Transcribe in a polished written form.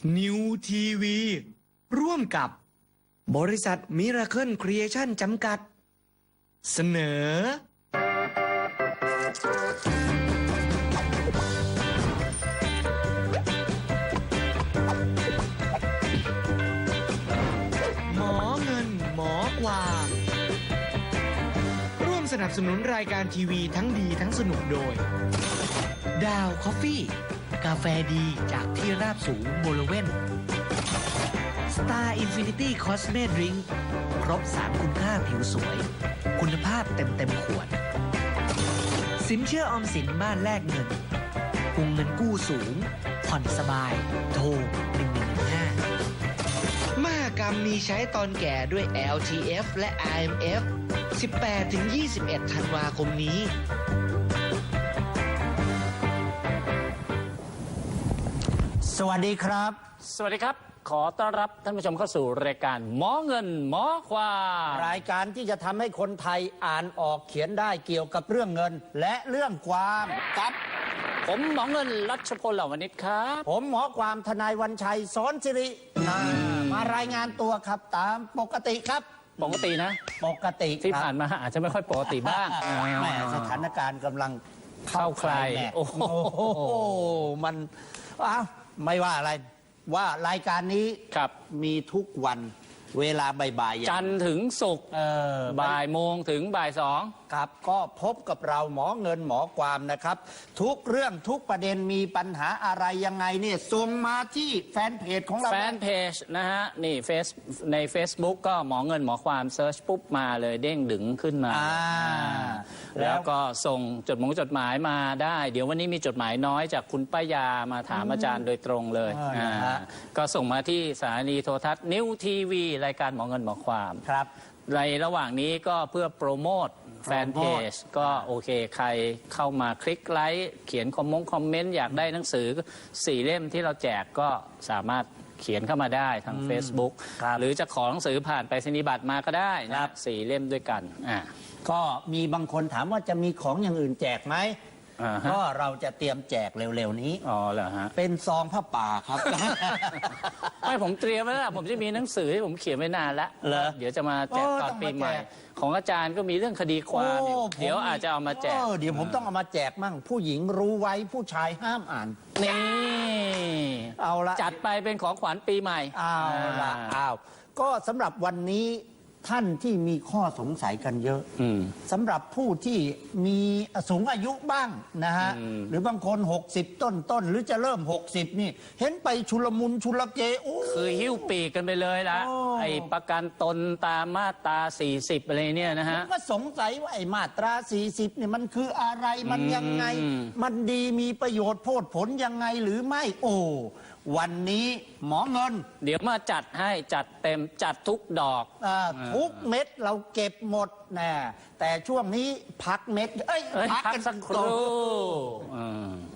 นิวทีวีร่วมกับบริษัทมิราเคิลครีเอชั่นจำกัดเสนอหมอเงินหมอกวางร่วมสนับสนุนรายการทีวีทั้งดีทั้งสนุกโดยดาวคอฟฟี่กาแฟดีจากที่ราบสูงบริเวณ Star Infinity Cosme Drink ครบ3คุณค่าผิวสวยคุณภาพเต็มขวดสินเชื่อออมสินบ้านแลกเงินวงเงินกู้สูงผ่อนสบายโทร1115มหกรรมมีใช้ตอนแก่ด้วย LTF และ IMF 18-21 ธันวาคมนี้สวัสดีครับสวัสดีครับขอต้อนรับท่านผู้ชมเข้าสู่รายการหมอเงินหมอความรายการที่จะทำให้คนไทยอ่านออกเขียนได้เกี่ยวกับเรื่องเงินและเรื่องความครับผมหมอเงินรัชพลเหล่าวณิชครับผมหมอความทนายวันชัยสอนสิริมารายงานตัวครับตามปกติครับปกตินะปกติที่ผ่านมาอาจจะไม่ค่อยปกติบ้างแม่สถานการณ์กำลังเข้าใครโอ้โหมันไม่ว่าอะไรว่ารายการนี้มีทุกวันเวลาบ่ายๆจันทร์ถึงศุกร์บ่ายโมงถึงบ่ายสองครับก็พบกับเราหมอเงินหมอความนะครับทุกเรื่องทุกประเด็นมีปัญหาอะไรยังไงเนี่ยส่งมาที่แฟนเพจของเราแฟนเพจนะฮะนี่ใน Facebook ก็หมอเงินหมอความเซิร์ชปุ๊บมาเลยเด้งดึงขึ้นมาแล้วก็ส่งจดหมายมาได้เดี๋ยววันนี้มีจดหมายน้อยจากคุณป้ายามาถามอาจารย์โดยตรงเลยก็ส่งมาที่สถานีโทรทัศน์นิวทีวีรายการหมอเงินหมอความครับในระหว่างนี้ก็เพื่อโปรโมทแฟนเพจก็โอเคใครเข้ามาคลิกไลค์เขียนคอมเมนต์อยากได้หนังสือ4 เล่มที่เราแจกก็สามารถเขียนเข้ามาได้ทาง Facebook หรือจะขอหนังสือผ่านไปรษณียบัตรมาก็ได้นะ4 เล่มด้วยกันก็มีบางคนถามว่าจะมีของอย่างอื่นแจกไหมก็เราจะเตรียมแจกเร็วๆนี้อ๋อเหรอฮะเป็นซองผ้าป่าครับไม่ผมเตรียมไว้แล้วผมจะมีหนังสือที่ผมเขียนไว้นานแล้วเดี๋ยวจะมาแจกตอนปีใหม่ของอาจารย์ก็มีเรื่องคดีความเดี๋ยวอาจจะเอามาแจกเดี๋ยวผมต้องเอามาแจกมั่งผู้หญิงรู้ไว้ผู้ชายห้ามอ่านนี่เอาละจัดไปเป็นของขวัญปีใหม่เอาละก็สำหรับวันนี้ท่านที่มีข้อสงสัยกันเยอะสำหรับผู้ที่มีสูงอายุบ้างนะฮะหรือบางคน60ต้นหรือจะเริ่ม60นี่เห็นไปชุลมุนชุลเกคือหิ้วปีกกันไปเลยละไอ้ประกันตนตามมาตรา40อะไรเนี่ยนะฮะก็สงสัยว่าไอ้มาตรา40เนี่ยมันคืออะไรมันยังไงมันดีมีประโยชน์โพดผลยังไงหรือไม่วันนี้หมอเงินเดี๋ยวมาจัดให้จัดเต็มจัดทุกดอกทุกเม็ดเราเก็บหมดนะแต่ช่วงนี้พักเม็ดพักสักครู่